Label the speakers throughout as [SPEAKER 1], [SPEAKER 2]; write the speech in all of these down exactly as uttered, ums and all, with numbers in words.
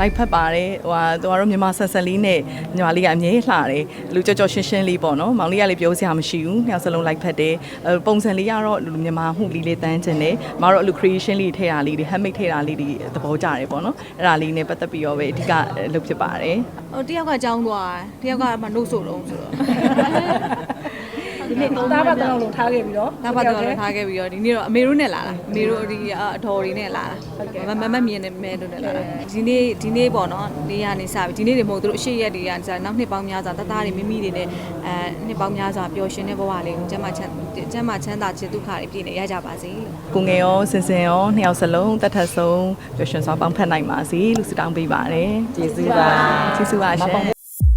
[SPEAKER 1] လိုက်ဖက်ပါတယ်ဟိုဟာသူကတော့မြန်မာဆက်ဆက်လေးနဲ့ညီမလေးကအမြဲလှတယ်လူကြော်ကြော်ရှင်းရှင်းလေးပေါ့နော်မောင်လေးကလည်းပြောစရာမရှိဘူးနှစ်ယောက်စလုံးလိုက်ဖက်တယ်ပုံစံလေးကတော့လူမြန်မာမှုလေးလေးတန်းကျင်တယ်မတို့အလူ creation လေးထည့်တာလေးတွေ handmade ထည့်တာလေးတွေသဘောကျတယ်ပေါ့နော်အဲ့ဒါလေးနဲ့ပတ်သက်ပြီးတော့ပဲအဓိကလုပ်ဖြစ်ပါတယ်
[SPEAKER 2] ဟိုတယောက်ကကြောင်းသွားတယ်တယောက်ကမှနှုတ်ဆိုတော့ဆိုတော့
[SPEAKER 3] ဒီနေ့သားပတ်တောင်လုံးထားခဲ့ပြီးတော့
[SPEAKER 2] သားပတ်တောင်လုံးထားခဲ့ပြီးတော့ဒီနေ့တော့အမေတို့နဲ့လာတာအမေတို့ဒီအတော်တွေနဲ့လာတာမမမြင်နေမဲတို့နဲ့လာတာဒီနေ့ဒီနေ့ပေါ့နော်နေရနေစပြီဒီနေ့တွေမဟုတ်သူတို့အရှိရက်တွေကနောက်နှစ်ပေါင်းများစွာတသားတွေမိမိတွေနဲ့အဲနှစ်ပေါင်းများစွာပျော်ရွှင်တဲ့ဘဝလေးကိုကျမ်းမာချမ်းကျမ်းမာချမ်းသာခြင်းဒုက္ခတွေပြည့်နေရကြပါစေလို့
[SPEAKER 1] ကိုငယ်ရောစင်စင်ရောနှစ်ယောက်စလုံးတတ်ထက်ဆုံးပျော်ရွှင်စွာပေါင်းဖက်နိုင်ပါစေလို့ဆုတောင်းပေးပါတယ်
[SPEAKER 3] ကျေးဇူးပါ
[SPEAKER 1] ကျေးဇူးပါရှင်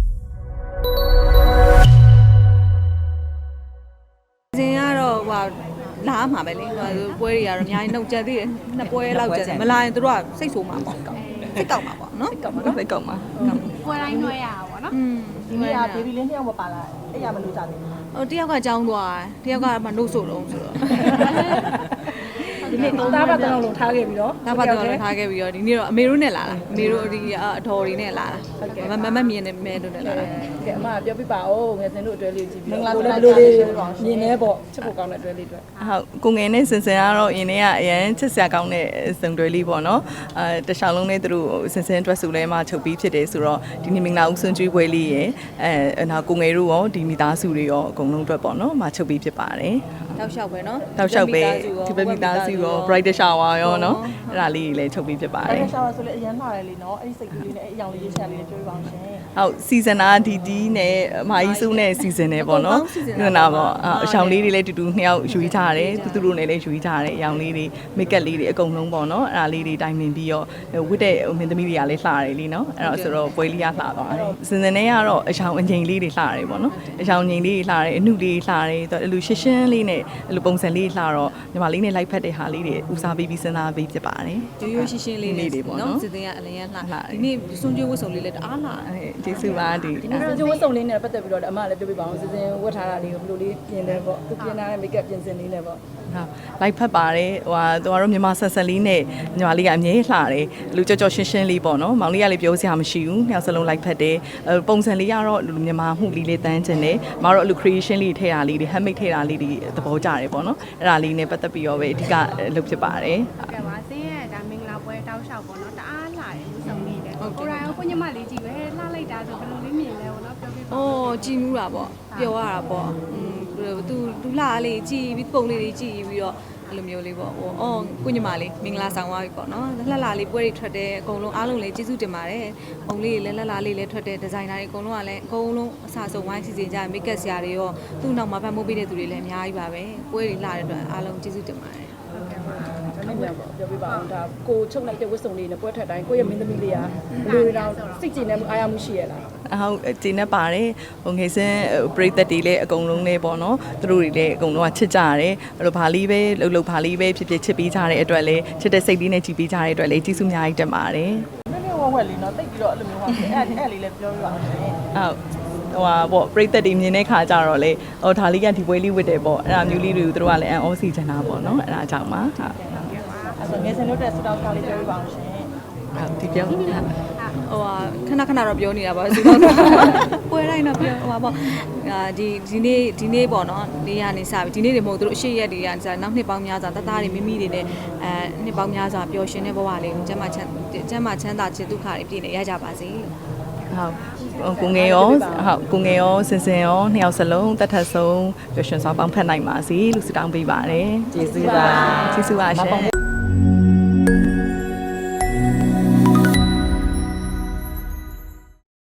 [SPEAKER 2] လာမှာပဲလေဟိုပွဲတွေကတော့အများကြီးနှုတ်ကြသေးတယ်နှစ်ပွဲလောက်ကြတယ်မလာရင်တို့ကစိတ်ဆိုးမှာပေါ့စိတ်ကောက်မှာပေါ့နော်
[SPEAKER 1] စိတ်ကောက်မှာစိတ်ကောက်မှာ
[SPEAKER 4] ပွဲတိုင်းနှွှဲရတာပေါ့နော်
[SPEAKER 3] ဒီနေ့ကဘေဘီလေးနှစ်ယောက်မပါလာအဲ့ရမလို့ကြတယ်
[SPEAKER 2] ဟိုတယောက်ကကြောင်းသွားတယ်တယောက်ကမှနှုတ်ဆိုတော့ဆိုတော့
[SPEAKER 3] ဒီနေ့သားပတ်တောင်လုံးထားခဲ့ပြီးတော့
[SPEAKER 2] သားပတ်တောင်လုံးထားခဲ့ပြီးတော့ဒီနေ့တော့အမေတို့နဲ့လာတာအမေတို့ဒီအတော်တွေနဲ့လာတာမမမြင်နေမဲတို့နဲ့လာတာ
[SPEAKER 3] ကဲအမပြောပြပါဦးငယ်စင်တို့အတွဲလေးကြည့်ပြီးတော့ကိုလည်းဘယ်လိုလေးမြင်နေပေါ့ချစ်ဖို့ကောင်းတဲ့အတွဲလေးအတွက်
[SPEAKER 1] ဟုတ်ကိုငယ်နဲ့စင်စင်ကတော့အရင်တည်းကအရန်ချစ်စရာကောင်းတဲ့စုံတွဲလေးပေါ့နော်အဲတခြားလုံးနဲ့သူတို့စင်စင်အတွက်ဆိုလဲမှချုပ်ပြီးဖြစ်တယ်ဆိုတော့ဒီနေ့မင်္ဂလာဦးဆွန်ကျွေးပွဲလေးရယ်အဲနောက်ကိုငယ်တို့ရောဒီမိသားစုတွေရောအကုန်လုံးအတွက်ပေါ့နော်မှချုပ်ပြီးဖြစ်ပါတယ်
[SPEAKER 2] တောက်လျှောက်ပဲနော်
[SPEAKER 1] တောက်လျှောက်ပဲဒီဘက်မိသားစုရော bright shower ရောနော်အဲ့ဒါလေးတွေလည်းချုပ်ပြီးဖြစ်ပါတယ်
[SPEAKER 3] bright shower ဆိုလည်းအရင်လာတယ်လीနော်အဲ့ဒီစိတ်ကူးလေးနဲ့အဲ့အရောင်လေးရေးချက်လေးပြောပြပါအောင်ရှင်
[SPEAKER 1] ဟုတ် season အာဒီဒီနဲ့အမကြီးစုနဲ့ season နဲ့ပေါ့နော်ဒီနာပေါ့အရောင်လေးတွေလည်းတူတူနှစ်ယောက်ယူထားတယ်သူသူတို့နဲ့လည်းယူထားတယ်အရောင်လေးတွေ make up လေးတွေအကုန်လုံးပေါ့နော်အဲ့ဒါလေးတွေတိုင်ပင်ပြီးတော့ဝတ်တဲ့မင်းသမီးတွေကလည်းလှတယ်လीနော်အဲ့တော့ဆိုတော့ပွဲလေးကလှသွားတယ် season နဲ့ကတော့အရောင်အငိမ်လေးတွေလှတယ်ပေါ့နော်အရောင်ငိမ်လေးတွေလှတယ်အနှုလေးလှတယ်အဲ့လိုရှင်းရှင်းလေးနဲ့အဲ့လိုပုံစံလေးလှတော့ညီမလေးနဲ့လိုက်ဖက်တဲ့ဟာလေးတွေဦးစားပေးပြီးစဉ်းစားပေးဖြစ်ပါတယ်
[SPEAKER 2] ရိုးရိုးရှင်းရှင်းလေးလေးပေါ့နော်စစ်တင်ကအလင်းရလှဒီနေ့စွန်ကျွေးဝတ်စုံလေးလည်းတအားလှ
[SPEAKER 1] ကျေးဇူးပါဒီ
[SPEAKER 3] ဒီနေ့စွန်ကျွေးဝတ်စုံလေးနဲ့ပတ်သက်ပြီးတော့အမလည်းပြောပြပါအောင်စစ်တင်ဝတ်ထားတာလေးကိုဘယ်လိုလေးပြင်လဲပေါ့သူပြင်ထားတဲ့ make up ပြင်စင်လေးနဲ့ပေါ့
[SPEAKER 1] ဟုတ်လိုက်ဖက်ပါတယ်ဟိုဟာသူကတော့မြန်မာဆက်ဆက်လေးနဲ့ညီမလေးကအမြဲလှတယ်လူကြော်ကြော်ရှင်းရှင်းလေးပေါ့နော်မောင်လေးကလည်းပြောစရာမရှိဘူးနှစ်ယောက်စလုံးလိုက်ဖက်တယ်ပုံစံလေးကတော့လူမြန်မာမှုလေးလေးတန်းကျင်တယ်မတို့အလူ creation လေးထည့်တာလေးတွေ handmade ထည့်တာလေးတွေသဘောကျတယ်ပေါ့နော်အဲ့ဒါလေးနဲ့ပတ်သက်ပြီးတော့ပဲအဓိကလုပ်ဖြစ်ပါတယ်
[SPEAKER 4] ဟုတ်ကဲ့ပါဆင်းရဲဒါမင်္ဂလာပွဲတောက်လျှောက်ပေါ့နော်တအားလှတယ်လူဆောင်လေးတယ်ကိုရိုင်းကိုညမလေးကြည့်ပဲလှလိုက်တာဆိုဘယ်လိုလေးမြင်လဲပေါ့နော်ပြောပြပါ
[SPEAKER 2] အိုးကြည်နူးတာပေါ့ပျော်ရတာပေါ့อืมသူသူလှလေးကြည်ပြီးပုံလေးတွေကြည်ပြီးတော့အဲ့လိုမျိုးလေးပေါ့ဟိုအော်ကိုညမလေးမင်္ဂလာဆောင်သွားပြီပေါ့နော်လှလှလေးပွဲတွေထွက်တယ်အကုန်လုံးအားလုံးလည်းကျေးဇူးတင်ပါတယ်ပုံလေးတွေလည်းလှလှလေးလည်းထွက်တယ်ဒီဇိုင်နာတွေအကုန်လုံးကလည်းအကုန်လုံးအစားဆုံးဝိုင်းစီစဉ်ကြမိတ်ကပ်ဆရာတွေရောသူ့နောက်မှာဖန်မိုးပေးတဲ့သူတွေလည်းအများကြီးပါပဲပွဲတွေလှတဲ့အတွက်အားလုံးကျေးဇူးတင်ပါတယ်
[SPEAKER 3] ပြောပြပါအောင်ဒါကိုချုပ်လိုက်တဲ့ဝတ်စုံလေးနဲ့ပွဲထွက်တိုင်းကိုရဲ့မင်းသမီးလေးကဘယ်လိုတော့စိတ်ကြည်နေမှုအားရမှုရှိရလား
[SPEAKER 1] ဟုတ်ကြည်နေပါတယ်ဟိုငယ်စင်းပရိသတ်တွေလည်းအကုန်လုံးလေးပေါ့နော်သူတို့တွေလည်းအကုန်လုံးကချစ်ကြရတယ်အဲ့လိုဘာလေးပဲလှုပ်လှုပ်ဘာလေးပဲဖြစ်ဖြစ်ချစ်ပြီးကြတဲ့အတွက်လည်းချစ်တဲ့စိတ်လေးနဲ့ကြည်ပြီးကြတဲ့အတွက်လည်းကျေးဇူးအများကြီးတင်ပါတယ်
[SPEAKER 3] နည်းနည်းဝက်ဝက်လေးနော်တိတ်ပြီးတော့အဲ့လိုမျိုးဟောအဲ့အဲ့လေးလည်းပြောပြပါအောင်ရှင်
[SPEAKER 1] ဟုတ်ဟိုဟာပေါ့ပရိသတ်တွေမြင်တဲ့ခါကျတော့လေဟိုဒါလေးကဒီပွဲလေးဝတ်တယ်ပေါ့အဲ့ဒါမျိုးလေးတွေကိုသူတို့ကလည်းအန်အောစီချင်တာပေါ့နော်အဲ့ဒါကြောင့်ပါဟုတ်
[SPEAKER 3] အဲ့ဆိုငယ်စင်တို့တဲ့စတောက်ကားလေးပြောပြပါအောင်ရှင်
[SPEAKER 1] ဟုတ်ဒီပြောဟို
[SPEAKER 2] ဟာခဏခဏတော့ပြောနေတာပါဆိုတော့ပွဲတိုင်းတော့ပြောဟိုပါပေါ့ဒီဒီနေ့ဒီနေ့ပေါ့နော်နေရနေစပြီဒီနေ့တွေမဟုတ်သူတို့အရှိရက်တွေကနောက်နှစ်ပေါင်းများစွာတသားတွေမိမိတွေနဲ့အဲနှစ်ပေါင်းများစွာပျော်ရွှင်တဲ့ဘဝလေးကိုကျမ်းမာချမ်းကျမ်းမာချမ်းသာခြင်းဒုက္ခတွေပြည့်နေရကြပါစေလို့
[SPEAKER 1] ဟုတ်ကိုငယ်ရောဟုတ်ကိုငယ်ရောစင်စင်ရောနှစ်ယောက်စလုံးတတ်ထက်ဆုံးပျော်ရွှင်စွာပေါင်းဖက်နိုင်ပါစေလို့ဆုတောင်းပေးပါတယ်
[SPEAKER 3] ကျေးဇူးပါ
[SPEAKER 1] ကျေးဇူးပါရှင်